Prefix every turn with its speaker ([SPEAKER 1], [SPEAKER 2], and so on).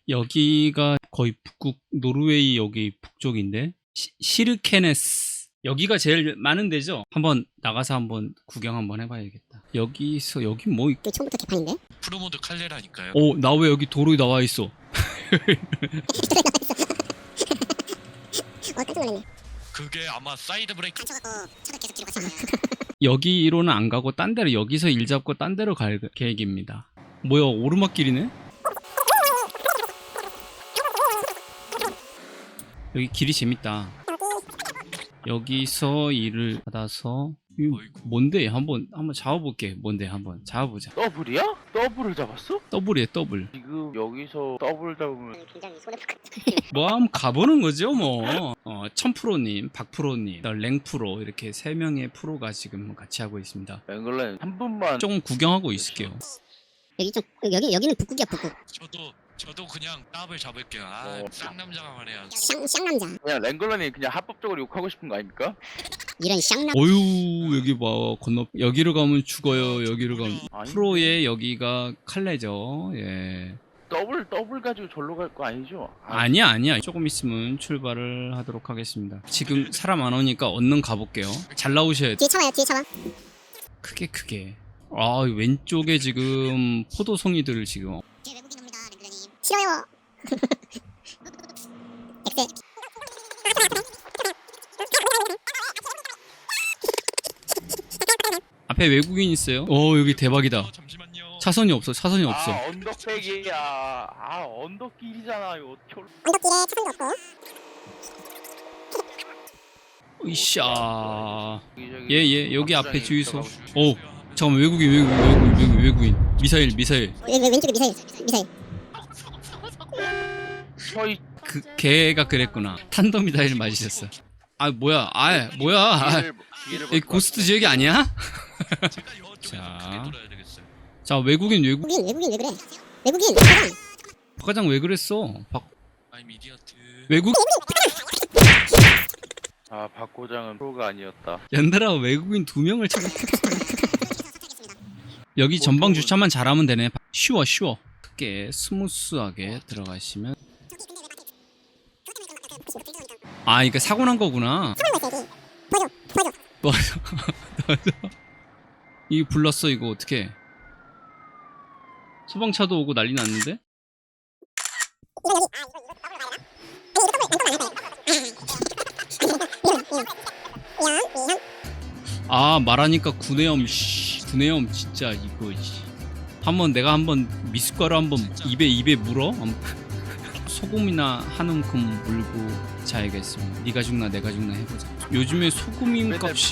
[SPEAKER 1] 여기가 거의 북극 노르웨이 여기 북쪽인데 시르케네스 여기가 제일 많은 데죠. 한번 나가서 한번 구경 한번 해봐야겠다. 여기서 여기 뭐
[SPEAKER 2] 그 처음부터 개판인데?
[SPEAKER 3] 프로모드 칼레라니까요.
[SPEAKER 1] 나 왜 여기 도로에 나와 있어?
[SPEAKER 2] 깜짝 놀랐네.
[SPEAKER 3] 그게 아마 사이드 브레이크.
[SPEAKER 2] 쳐갖고 차가 계속 뒤로 갔어.
[SPEAKER 1] 여기로는 안 가고 딴 데로 여기서 일 잡고 딴 데로 갈 계획입니다. 뭐야 오르막길이네? 여기 길이 재밌다. 여기서 일을 받아서 이거 뭔데? 한번 잡아볼게. 뭔데? 한번 잡아보자.
[SPEAKER 4] 더블이야? 더블을 잡았어?
[SPEAKER 1] 더블이야 더블.
[SPEAKER 4] 지금 여기서 더블 잡으면
[SPEAKER 2] 굉장히 손해볼 것 같아.
[SPEAKER 1] 뭐 한번 가보는 거죠 뭐. 1000프로님, 박프로님, 랭프로 이렇게 3명의 프로가 지금 같이 하고 있습니다.
[SPEAKER 4] 앵글랜 한 분만
[SPEAKER 1] 조금 구경하고 있을게요.
[SPEAKER 2] 여기는 북극이야 북극.
[SPEAKER 3] 저도 그냥 따블 잡을게요. 쌍남자가 말해야.
[SPEAKER 2] 쌍남자.
[SPEAKER 4] 그냥 랭글런이 그냥 합법적으로 욕하고 싶은 거 아닙니까?
[SPEAKER 2] 이런 쌍남.
[SPEAKER 1] 어유 여기 봐 건너 여기로 가면 죽어요. 여기로 가면
[SPEAKER 4] 아니.
[SPEAKER 1] 프로의 여기가 칼레죠. 예.
[SPEAKER 4] 더블 가지고 절로 갈 거 아니죠?
[SPEAKER 1] 아니야. 조금 있으면 출발을 하도록 하겠습니다. 지금 사람 안 오니까 얼른 가볼게요. 잘 나오셔야 돼.
[SPEAKER 2] 뒤에 차 와요. 뒤에 차 와.
[SPEAKER 1] 크게. 왼쪽에 지금 포도송이들을 지금.
[SPEAKER 2] 뒤에 외국인 옵니다. 랭글레님. 싫어요. 엑셀.
[SPEAKER 1] 앞에 외국인 있어요. 여기 대박이다.
[SPEAKER 3] 잠시만요.
[SPEAKER 1] 차선이 없어.
[SPEAKER 4] 언덕백이야. 언덕길이잖아. 이거 어떻게
[SPEAKER 2] 언덕길에 차선도 없고.
[SPEAKER 1] 으쌰.
[SPEAKER 4] 저기
[SPEAKER 1] 예, 여기 앞에 주유소.
[SPEAKER 4] 들어가고
[SPEAKER 1] 잠깐만, 외국인. 미사일.
[SPEAKER 2] 왼쪽에 미사일.
[SPEAKER 4] 서이
[SPEAKER 1] 걔가 그랬구나. 탄도미사일 맞으셨어. 뭐야. 이 고스트 지역이 아니야?
[SPEAKER 3] 제가 이쪽에서
[SPEAKER 1] 자.
[SPEAKER 3] 크게 돌아야 되겠어요.
[SPEAKER 1] 자, 외국인.
[SPEAKER 2] 외국인 왜 그래? 외국인.
[SPEAKER 1] 박과장 왜 그랬어?
[SPEAKER 3] I'm idiot.
[SPEAKER 1] 외국?
[SPEAKER 4] 박 고장은 프로가 아니었다.
[SPEAKER 1] 연달아 외국인 2명을 찾아. 여기 전방 주차만 잘하면 되네. 쉬워. 크게 스무스하게 들어가시면. 이거 사고 난 거구나. 맞아. 이거 불났어. 이거 어떡해. 소방차도 오고 난리 났는데? 말하니까 구내염 진짜 이거 내가 한번 미숫가루 한번 입에 물어? 소금이나 한 움큼 물고 자야겠습니다. 네가 죽나 내가 죽나 해보자. 요즘에 소금임 값이